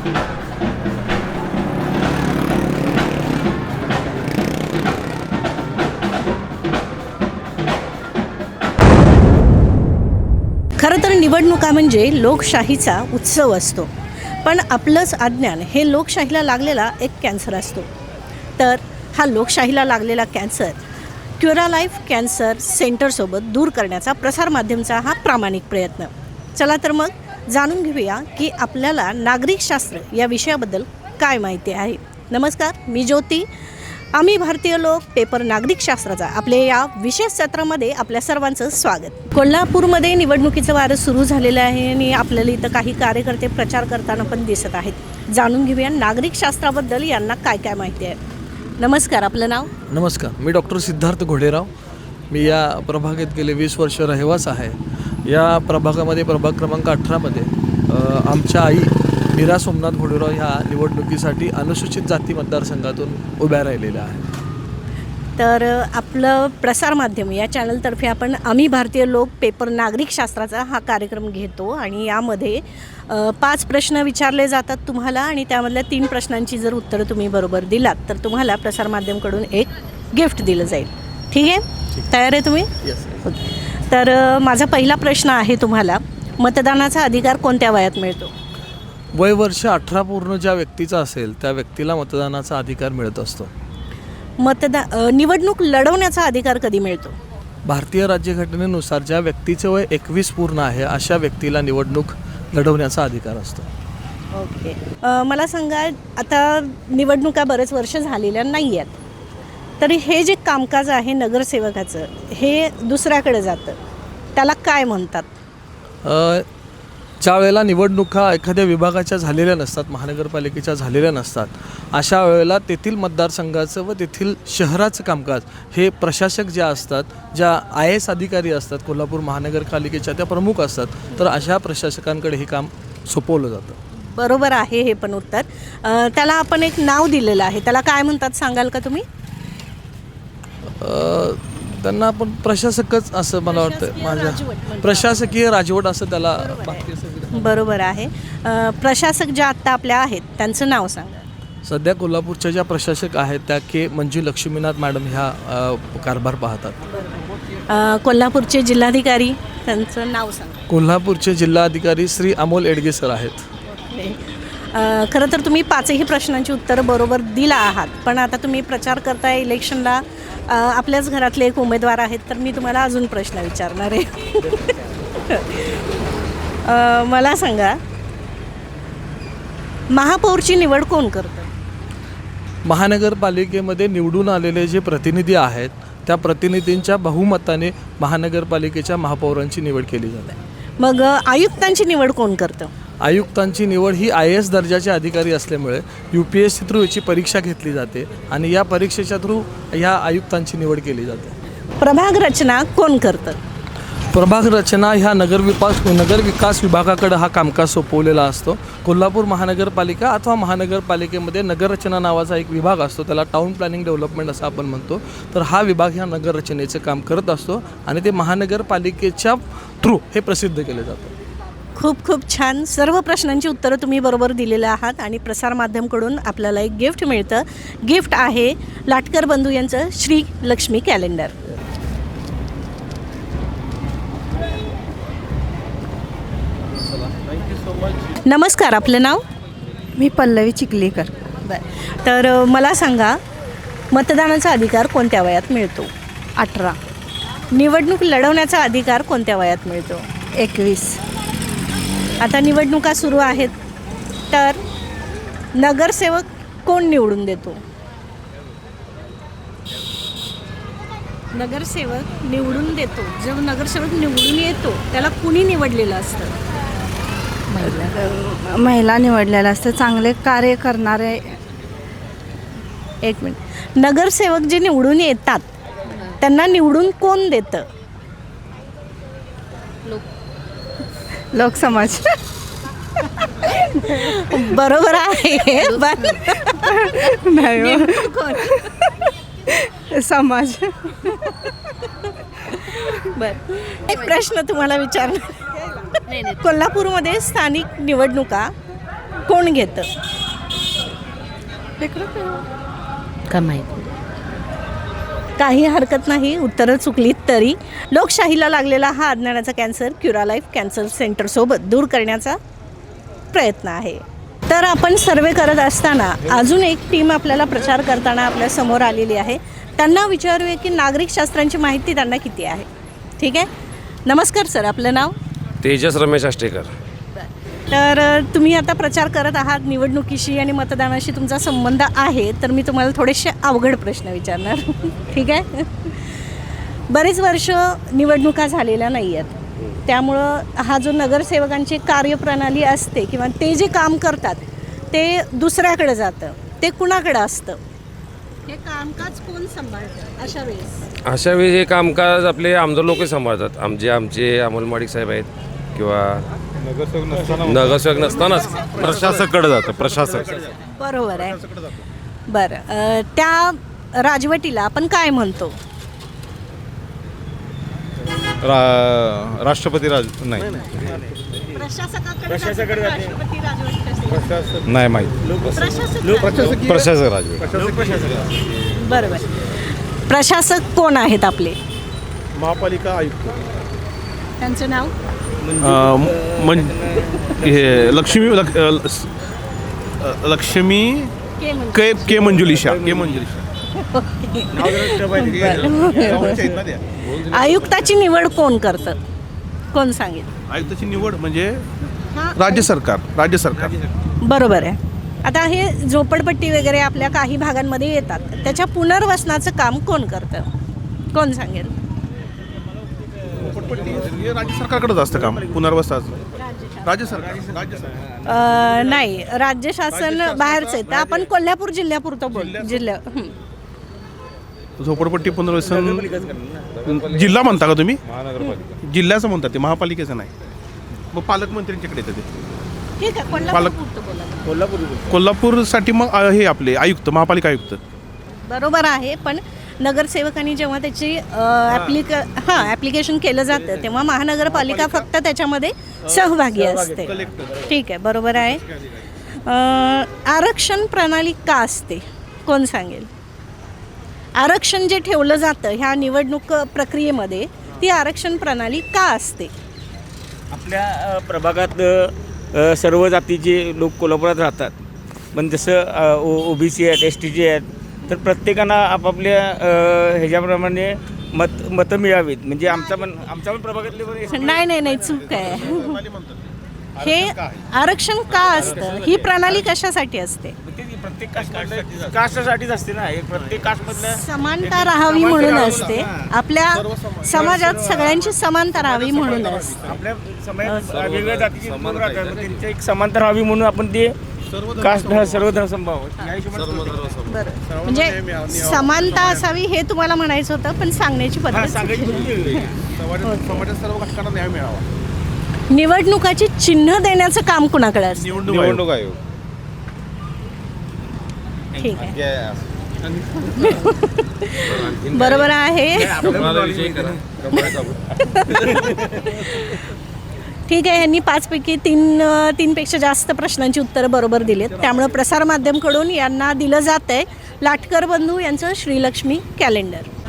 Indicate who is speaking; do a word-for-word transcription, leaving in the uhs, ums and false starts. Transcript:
Speaker 1: खरं तर निवडणुका म्हणजे लोकशाहीचा उत्सव असतो, पण आपलंच अज्ञान हे लोकशाहीला लागलेला एक कॅन्सर असतो. तर हा लोकशाहीला लागलेला कॅन्सर क्युरालाईफ कॅन्सर सेंटरसोबत दूर करण्याचा प्रसारमाध्यमचा हा प्रामाणिक प्रयत्न. चला तर मग जाणून घेऊया की आपल्याला नागरिकशास्त्र या विषयाबद्दल काय माहिती आहे. नमस्कार, मी ज्योती. आम्ही भारतीय लोक पेपर नागरिकशास्त्राचा आपले या विशेष सत्रामध्ये आपल्या सर्वांचं स्वागत. कोल्हापूरमध्ये निवडणुकीचं वारं सुरू झालेलं आहे आणि आपल्याला इथं काही कार्यकर्ते प्रचार करताना पण दिसत आहेत. जाणून घेऊया नागरिकशास्त्राबद्दल यांना काय काय माहिती आहे. नमस्कार, आपलं नाव?
Speaker 2: नमस्कार, मी डॉक्टर सिद्धार्थ घोडेराव. मी या प्रभागात गेले वीस वर्ष रहिवास आहे. या प्रभागामध्ये प्रभाग क्रमांक अठरामध्ये आमच्या आई मीरा सोमनाथ घोडेराव ह्या निवडणुकीसाठी अनुसूचित जाती मतदारसंघातून उभ्या राहिलेल्या आहेत.
Speaker 1: तर आपलं प्रसारमाध्यम या चॅनलतर्फे आपण आम्ही भारतीय लोक पेपर नागरिकशास्त्राचा हा कार्यक्रम घेतो आणि यामध्ये पाच प्रश्न विचारले जातात तुम्हाला आणि त्यामधल्या तीन प्रश्नांची जर उत्तरं तुम्ही बरोबर दिलात तर तुम्हाला प्रसारमाध्यमकडून एक गिफ्ट दिलं जाईल. ठीक आहे, तयार आहे तुम्ही?
Speaker 2: येस.
Speaker 1: तर माझा पहिला प्रश्न आहे तुम्हाला, मतदानाचा अधिकार कोणत्या वयात मिळतो?
Speaker 2: वय वर्ष अठरा पूर्ण ज्या व्यक्तीचा असेल त्या व्यक्तीला मतदानाचा अधिकार मिळत असतो.
Speaker 1: मतदा निवडणूक लढवण्याचा अधिकार कधी मिळतो?
Speaker 2: भारतीय राज्यघटनेनुसार ज्या व्यक्तीचे वय एकवीस पूर्ण आहे अशा व्यक्तीला निवडणूक लढवण्याचा अधिकार असतो.
Speaker 1: ओके. मला सांगा, आता निवडणुका बरेच वर्ष झालेल्या नाही आहेत, तरी हे जे कामकाज आहे नगरसेवकाचं हे दुसऱ्याकडे जातं, त्याला काय म्हणतात?
Speaker 2: ज्या वेळेला निवडणुका एखाद्या विभागाच्या झालेल्या नसतात, महानगरपालिकेच्या झालेल्या नसतात, अशा वेळेला तेथील मतदारसंघाचं व तेथील शहराचं कामकाज हे प्रशासक ज्या असतात, ज्या आय एस अधिकारी असतात, कोल्हापूर महानगरपालिकेच्या त्या प्रमुख असतात, तर अशा प्रशासकांकडे हे काम सोपवलं जातं.
Speaker 1: बरोबर आहे हे पण उत्तर. त्याला आपण एक नाव दिलेलं आहे, त्याला काय म्हणतात सांगाल का तुम्ही?
Speaker 2: त्यांना आपण प्रशासकच असं मला वाटतं, माझ्या प्रशासकीय राजवट असं त्याला.
Speaker 1: बरोबर आहे. प्रशासक ज्या आत्ता आपल्या आहेत त्यांचं नाव सांगा.
Speaker 2: सध्या कोल्हापूरच्या ज्या प्रशासक आहेत त्या के मंजू लक्ष्मीनाथ मॅडम ह्या कारभार पाहतात.
Speaker 1: कोल्हापूरचे जिल्हाधिकारी त्यांचं नाव सांगा.
Speaker 2: कोल्हापूरचे जिल्हाधिकारी श्री अमोल एडगे सर आहेत.
Speaker 1: खरं तर तुम्ही पाचही प्रश्नांची उत्तरं बरोबर दिला आहात, पण आता तुम्ही प्रचार करताय इलेक्शनला, आपल्याच घरातले एक उमेदवार आहेत, तर मी तुम्हाला अजून प्रश्न विचारणार आहे. मला सांगा, महापौरची निवड कोण करतं?
Speaker 2: महानगरपालिकेमध्ये निवडून आलेले जे प्रतिनिधी आहेत त्या प्रतिनिधींच्या बहुमताने महानगरपालिकेच्या महापौरांची निवड केली जाते.
Speaker 1: मग आयुक्तांची निवड कोण करतं?
Speaker 2: आयुक्तांची निवड ही आय ए एस दर्जाचे अधिकारी असल्यामुळे U P S C through याची परीक्षा घेतली जाते आणि या परीक्षेच्या थ्रू ह्या आयुक्तांची निवड केली जाते.
Speaker 1: प्रभाग रचना कोण करतं?
Speaker 2: प्रभाग रचना ह्या नगरविकास नगरविकास विभागाकडे हा कामकाज सोपवलेला असतो. कोल्हापूर महानगरपालिका अथवा महानगरपालिकेमध्ये नगररचना नावाचा एक विभाग असतो, त्याला टाउन प्लॅनिंग डेव्हलपमेंट असं आपण म्हणतो. तर हा विभाग ह्या नगररचनेचं काम करत असतो आणि ते महानगरपालिकेच्या थ्रू हे प्रसिद्ध केले जातं.
Speaker 1: खूप खूप छान. सर्व प्रश्नांची उत्तरं तुम्ही बरोबर दिलेलं आहात आणि प्रसारमाध्यमकडून आपल्याला एक गिफ्ट मिळतं. गिफ्ट आहे लाटकर बंधू यांचं श्री लक्ष्मी कॅलेंडर. नमस्कार, आपलं नाव?
Speaker 3: मी पल्लवी चिखलीकर.
Speaker 1: बरं, तर मला सांगा, मतदानाचा अधिकार कोणत्या वयात मिळतो?
Speaker 3: अठरा.
Speaker 1: निवडणूक लढवण्याचा अधिकार कोणत्या वयात मिळतो?
Speaker 3: एकवीस.
Speaker 1: आता निवडणुका सुरू आहेत, तर नगरसेवक कोण निवडून देतो? नगरसेवक निवडून देतो. जो नगरसेवक निवडून येतो त्याला कुणी निवडलेलं असतं?
Speaker 3: महिला महिला निवडलेलं असतं, चांगले कार्य करणारे.
Speaker 1: एक मिनिट. नगरसेवक जे निवडून येतात त्यांना निवडून कोण देतं?
Speaker 3: लोकसमाज.
Speaker 1: बरोबर आहे.
Speaker 3: नाही, समाज.
Speaker 1: बरं, एक प्रश्न तुम्हाला विचारणार. कोल्हापूरमध्ये स्थानिक निवडणुका कोण घेतं?
Speaker 4: का माहिती
Speaker 1: काही हरकत नाही, उत्तरं चुकलीत तरी. लोकशाहीला लागलेला हा अज्ञानाचा कॅन्सर क्युरालाईफ कॅन्सर सेंटरसोबत दूर करण्याचा प्रयत्न आहे. तर आपण सर्वे करत असताना अजून एक टीम आपल्याला प्रचार करताना आपल्या समोर आलेली आहे. त्यांना विचारूया की नागरिकशास्त्रांची माहिती त्यांना किती आहे. ठीक आहे. नमस्कार सर, आपलं नाव?
Speaker 5: तेजस रमेश आष्टेकर.
Speaker 1: तर तुम्ही आता प्रचार करत आहात, निवडणुकीशी आणि मतदानाशी तुमचा संबंध आहे, तर मी तुम्हाला थोडेसे अवघड प्रश्न विचारणार. ठीक आहे. बरेच वर्ष निवडणुका झालेल्या नाही आहेत, त्यामुळं हा जो नगरसेवकांची कार्यप्रणाली असते किंवा ते जे काम करतात ते दुसऱ्याकडे जातं, ते कुणाकडे असतं? हे कामकाज कोण सांभाळतं अशा वेळेस?
Speaker 5: अशा वेळी हे कामकाज आपले आमदार लोक सांभाळतात. आमचे आमचे अमोल माडिक साहेब आहेत किंवा नगरसेवक नसतानाच
Speaker 6: प्रशासकडे जातं. प्रशासक
Speaker 1: बरोबर आहे. बरं, अ, त्या राजवटीला आपण काय म्हणतो?
Speaker 6: रा राष्ट्रपती राज नाही नाही माहीत. प्रशासक राजवट.
Speaker 1: बरोबर. प्रशासक कोण आहेत आपले?
Speaker 6: महापालिका आयुक्त.
Speaker 1: त्यांचं नाव?
Speaker 6: हे लक्ष्मी लक- अ, स- अ, लक्ष्मी के के मंजुलिशा के मंजुलिशा.
Speaker 1: आयुक्ताची निवड कोण करतं? कोण सांगेल?
Speaker 6: आयुक्ताची निवड म्हणजे राज्य सरकार. राज्य सरकार.
Speaker 1: बरोबर आहे. आता हे झोपडपट्टी वगैरे आपल्या काही भागांमध्ये येतात, त्याच्या पुनर्वसनाचं काम कोण करतं? कोण सांगेल?
Speaker 6: हे राज्य सरकारकडेच असतं काम पुनर्वसनाचं. राज्य सरकार. राज्य सरकार.
Speaker 1: अ, नाही, राज्य शासन बाहेरचं आहे. तर आपण कोल्हापूर जिल्ह्यापुरतं बोल. जिल्हा हं.
Speaker 6: झोपडपट्टी पुनर्वसन जिल्हा म्हणता का तुम्ही? जिल्ह्याचं म्हणतात ते, महापालिकेचं नाही. मग पालकमंत्र्यांच्याकडे येतं ते.
Speaker 1: ठीक आहे, कोल्हापूरपुरतं बोला.
Speaker 6: कोल्हापूरसाठी मग अ, हे आपले आयुक्त, महापालिका आयुक्त.
Speaker 1: बरोबर आहे, पण नगरसेवकांनी जेव्हा त्याची ॲप्लिक हां ॲप्लिकेशन केलं जातं तेव्हा महानगरपालिका फक्त त्याच्यामध्ये सहभागी असते. ठीक आहे, बरोबर आहे. अ, आरक्षण प्रणाली का असते? कोण सांगेल? आरक्षण जे ठेवलं जातं ह्या निवडणूक प्रक्रियेमध्ये, ती आरक्षण प्रणाली का असते?
Speaker 7: आपल्या अ, प्रभागात अ, सर्व जातीचे लोक कोल्हापुरात राहतात, पण जसं ओ ओ बी सी आहेत, एस टीचे आहेत, तर प्रत्येकानं आपापल्या अ, ह्याच्याप्रमाणे मत मतं मिळावीत. म्हणजे आमचा पण आमच्या पण प्रभागातले पण एस टी
Speaker 1: नाही नाही नाही चूक आहे. हे आरक्षण का असतं? ही प्रणाली कशासाठी असते?
Speaker 7: प्रत्येक कास्ट कास्टसाठीच असते ना. एक प्रत्येक कास्टमधल्या
Speaker 1: समानता राहावी म्हणून असते. आपल्या समाजात सगळ्यांची समानता राहावी म्हणून असते.
Speaker 7: आपल्या समाजात वेगवेगळ्या जातीचे लोक राहतात, मग त्यांची एक समांतर व्हावी म्हणून आपण ते कास्ट सर्व धर्मसमभाव या हिशोबाने
Speaker 1: बरं, म्हणजे समानता असावी हे तुम्हाला म्हणायचं होतं, पण सांगण्याची पद्धत
Speaker 7: सांगायची
Speaker 1: चुकीची.
Speaker 7: पद्धत वेगळी.
Speaker 6: समाजात सर्व घटकांना न्याय मिळावा.
Speaker 1: निवडणुकाची चिन्ह देण्याचं काम कुणाकडे असतं?
Speaker 6: निवडणूक आयोग.
Speaker 1: ठीक आहे, बरोबर आहे. ठीक आहे, यांनी पाचपैकी तीन तीनपेक्षा जास्त प्रश्नांची उत्तरं बरोबर दिलीत, त्यामुळं प्रसारमाध्यमकडून यांना दिलं जातं आहे लाटकर बंधू यांचं श्रीलक्ष्मी कॅलेंडर.